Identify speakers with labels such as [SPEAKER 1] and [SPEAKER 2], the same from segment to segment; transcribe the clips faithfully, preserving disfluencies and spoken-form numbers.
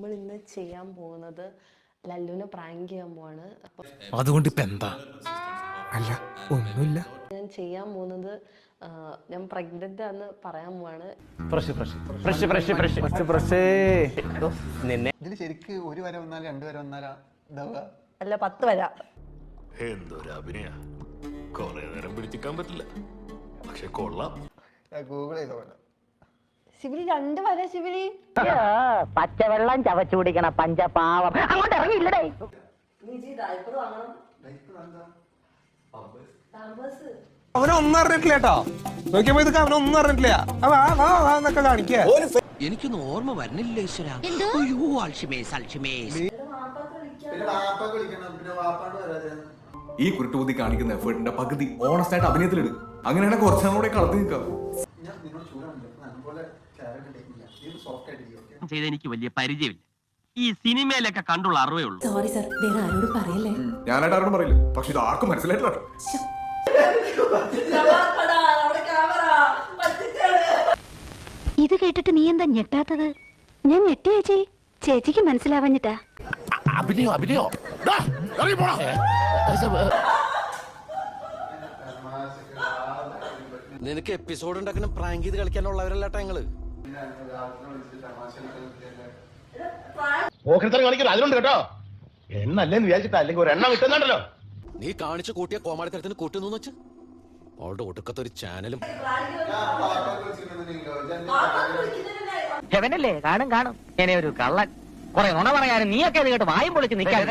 [SPEAKER 1] നമ്മൾ ഇന്ന് ചെയ്യാൻ പോകുന്നത് ലല്ലുവിനെ പ്രാങ്ക് ചെയ്യാൻ പോവാണ്.
[SPEAKER 2] അതുകൊണ്ട് ഇപ്പൊ എന്താ? അല്ല ഒന്നുമില്ല.
[SPEAKER 1] ഞാൻ ചെയ്യാൻ പോകുന്നത് ഞാൻ പ്രഗ്നന്റ് ആണെന്ന് പറയാൻ പോവാണ്.
[SPEAKER 3] ഇതിൽ ശരിക്ക് ഒരു വര വന്നാലും രണ്ട് വര വന്നാലാ
[SPEAKER 1] അല്ല പത്ത് വര.
[SPEAKER 4] എന്തൊരു അഭിനയ, കൊറേ നേരം പിടിച്ചിക്കാൻ പറ്റില്ല, പക്ഷെ കൊള്ളാം.
[SPEAKER 3] ഗൂഗിൾ ചെയ്തോളാം.
[SPEAKER 1] ശിവലി രണ്ട് വര. ശിവലി
[SPEAKER 5] പച്ചവെള്ളം ചവച്ചു കുടിക്കണ പഞ്ചപാവം അങ്ങോട്ട് ഇറങ്ങിയില്ലടേ.
[SPEAKER 2] അവനൊന്നും അറിഞ്ഞിട്ടില്ല കേട്ടോ. നോക്കിയപ്പോ ഇതൊക്കെ അവനൊന്നും അറിഞ്ഞിട്ടില്ല. എന്നൊക്കെ കാണിക്കുക.
[SPEAKER 6] എനിക്കൊന്നും ഓർമ്മ വരുന്നില്ല ഈശ്വര. അയ്യോ അൽഷിമേസ് അൽഷിമേസ്.
[SPEAKER 7] ഈ കുരുട്ടുബുദ്ധി കാണിക്കുന്ന എഫേർട്ടിന്റെ പകുതി ഓണസ്റ്റ് ആയിട്ട് അഭിനയത്തിലിടും. അങ്ങനെയാണെങ്കിൽ കുറച്ചും കൂടെ കളത്തി നിൽക്കാം.
[SPEAKER 6] ചെയ്ത എനിക്ക് വലിയ പരിചയമില്ല. ഈ സിനിമയിലൊക്കെ കണ്ടുള്ള അറിവേ ഉള്ളൂ.
[SPEAKER 1] സോറി സർ, വേറെ ആരോടും പറയല്ലേ.
[SPEAKER 7] ഞാനായിട്ട് ആരോടും പറയില്ല, പക്ഷെ ഇത് ആർക്കും മനസ്സിലായിട്ടില്ല.
[SPEAKER 8] ഇത് കേട്ടിട്ട് നീ എന്താ ഞെട്ടാത്തത്? ഞാൻ ഞെട്ടി ചേച്ചി. ചേച്ചിക്ക് മനസ്സിലാവഞ്ഞിട്ടാ.
[SPEAKER 4] അഭിനയോ അഭിനയോ
[SPEAKER 6] നിനക്ക് എപ്പിസോഡ് ഉണ്ടാക്കണം പ്രാങ്ക് ചെയ്ത് കളിക്കാനുള്ളവരല്ലാട്ടാ ഞങ്ങള്.
[SPEAKER 4] കാണിക്കില്ല അതിലുണ്ട് കേട്ടോ. എണ്ണല്ലേന്ന് വിചാരിച്ചിട്ടാ, അല്ലെങ്കിൽ ഒരു എണ്ണം കിട്ടുന്നുണ്ടല്ലോ.
[SPEAKER 6] നീ കാണിച്ചു കൂട്ടിയ കോമാളിത്തരത്തിന് കൂട്ടുന്നു വെച്ച് അവളുടെ ഒടുക്കത്തെ ഒരു ചാനലും.
[SPEAKER 5] ഹെവനല്ലേ കാണും കാണും. എന്നെ ഒരു കള്ളൻ കുറെ നുണ പറയാനും നീയൊക്കെ ഇത് കേട്ട് വായും പൊളിച്ച് നിൽക്കാൻ.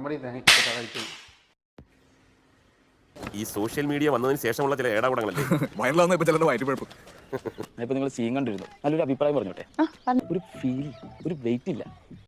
[SPEAKER 9] ഈ സോഷ്യൽ മീഡിയ വന്നതിന് ശേഷമുള്ള ചില ഏടാകൂടങ്ങളല്ലേ
[SPEAKER 7] വയറിലാവുന്ന ഇപ്പൊ ചിലത് വയറ്റ് കുഴപ്പം.
[SPEAKER 10] ഇപ്പൊ നിങ്ങൾ സീൻ കണ്ടിരുന്നു, നല്ലൊരു അഭിപ്രായം പറഞ്ഞോട്ടെ. ഒരു ഫീൽ, ഒരു വെയിറ്റ് ഇല്ല.